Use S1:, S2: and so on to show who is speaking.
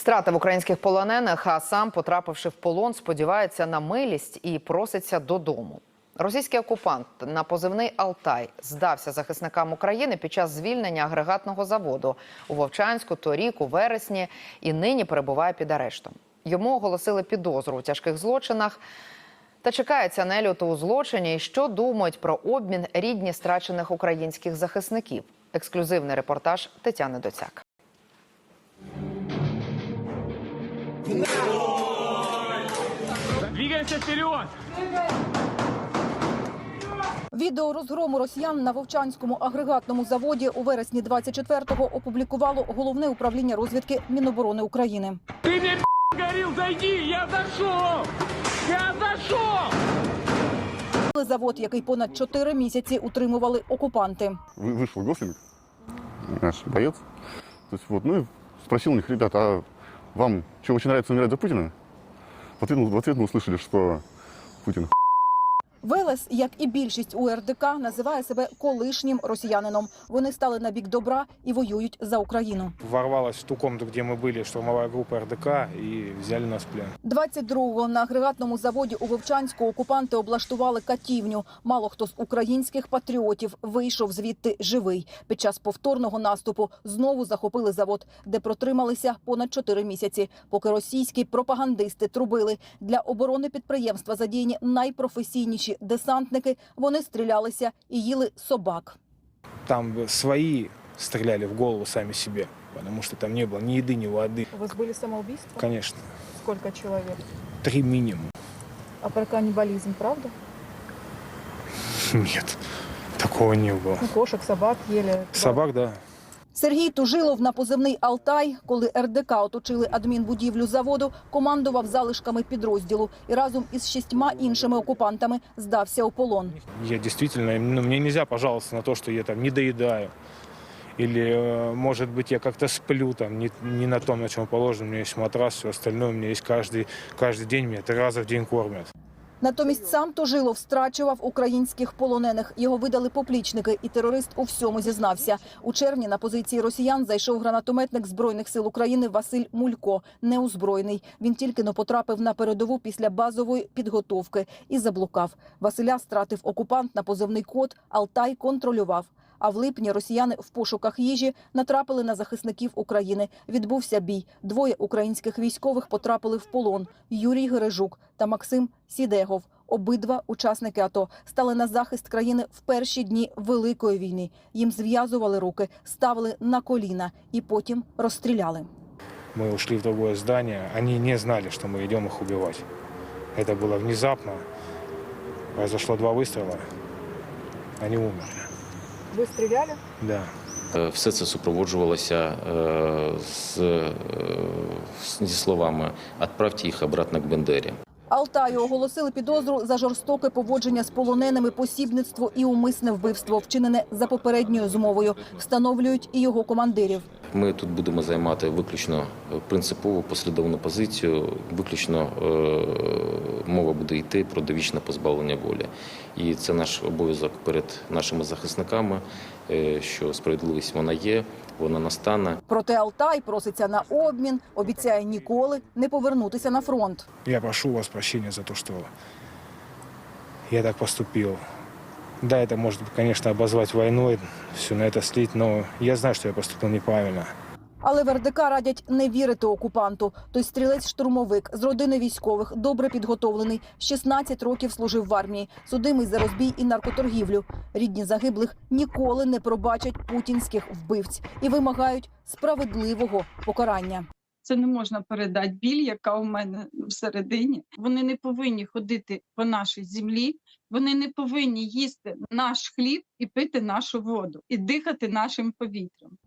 S1: Втратив українських полонених, а сам, потрапивши в полон, сподівається на милість і проситься додому. Російський окупант на позивний «Алтай» здався захисникам України під час звільнення агрегатного заводу у Вовчанську торік у вересні і нині перебуває під арештом. Йому оголосили підозру у тяжких злочинах та чекається нельоту у злочині. І що думають про обмін рідні страчених українських захисників? Ексклюзивний репортаж Тетяни Доцяк.
S2: Двигаемся вперед!
S3: Відео розгрому росіян на Вовчанському агрегатному заводі у вересні 24-го опублікувало Головне управління розвідки Міноборони України.
S2: Ты мне говорил, зайди, я зашел! Я зашел!
S3: Завод, який понад 4 місяці утримували окупанти.
S4: Вышел госследователь, наш боец, и спросил у них: ребята, а вам что, очень нравится умирать за Путина? В ответ мы услышали, что Путин
S3: Велес, як і більшість у РДК, називає себе колишнім росіянином. Вони стали на бік добра і воюють за Україну.
S5: Ворвалась в ту комнату, где мы были, штурмовая группа РДК, и взяли нас в плен.
S3: 22-го на агрегатному заводі у Вовчанську окупанти облаштували катівню. Мало хто з українських патріотів вийшов звідти живий. Під час повторного наступу знову захопили завод, де протрималися понад 4 місяці. Поки російські пропагандисти трубили, для оборони підприємства задіяні найпрофесійніші десантники, вони стрілялися і їли собак.
S5: Там свои стреляли в голову сами себе, потому что там не было ни еды, ни воды.
S3: У вас были самоубийства?
S5: Конечно.
S3: Сколько человек?
S5: 3 минимум.
S3: А про каннибализм, правда?
S5: Нет, такого не было.
S3: Кошек, собак ели.
S5: Собак, да.
S3: Сергій Тужилов на позивний «Алтай», коли РДК оточили адмінбудівлю заводу, командував залишками підрозділу і разом із 6 іншими окупантами здався у полон.
S5: Я действительно, мне нельзя пожаловаться на то, что я там не доедаю. Или, может быть, я как-то сплю, там, не на том, на чем положено. У меня есть матрас, все остальное. У меня есть каждый день, меня 3 раза в день кормят.
S3: Натомість сам Тужилов страчував українських полонених. Його видали поплічники, і терорист у всьому зізнався. У червні на позиції росіян зайшов гранатометник Збройних сил України Василь Мулько, неозброєний. Він тільки-но потрапив на передову після базової підготовки і заблукав. Василя стратив окупант на позивний код «Алтай» контролював. А в липні росіяни в пошуках їжі натрапили на захисників України. Відбувся бій. 2 українських військових потрапили в полон. Юрій Гережук та Максим Сідегов. Обидва учасники АТО стали на захист країни в перші дні Великої війни. Їм зв'язували руки, ставили на коліна і потім розстріляли.
S5: Мы ушли в другое здание. Они не знали, что мы идем их убивать. Это было внезапно. Произошло 2 выстрела. Они умерли.
S3: Ви стріляли?
S5: Да.
S6: Все це супроводжувалося зі словами «Отправте їх обратно к Бендері».
S3: Алтаю оголосили підозру за жорстоке поводження з полоненими, посібництво і умисне вбивство, вчинене за попередньою змовою. Встановлюють і його командирів.
S6: Ми тут будемо займати виключно принципову послідовну позицію, виключно мова буде йти про довічне позбавлення волі. І це наш обов'язок перед нашими захисниками, що справедливість вона є, вона настане.
S3: Проте Алтай проситься на обмін, обіцяє ніколи не повернутися на фронт.
S5: Я прошу у вас прощения за то, что я так поступил. Да, это может, конечно, обозвать войной, все на это слить, но я знаю, что я поступил неправильно.
S3: Але в РДК радять не вірити окупанту. Той стрілець-штурмовик з родини військових, добре підготовлений, 16 років служив в армії, судимий за розбій і наркоторгівлю. Рідні загиблих ніколи не пробачать путінських вбивць і вимагають справедливого покарання.
S7: Це не можна передати біль, яка у мене всередині. Вони не повинні ходити по нашій землі, вони не повинні їсти наш хліб і пити нашу воду, і дихати нашим повітрям.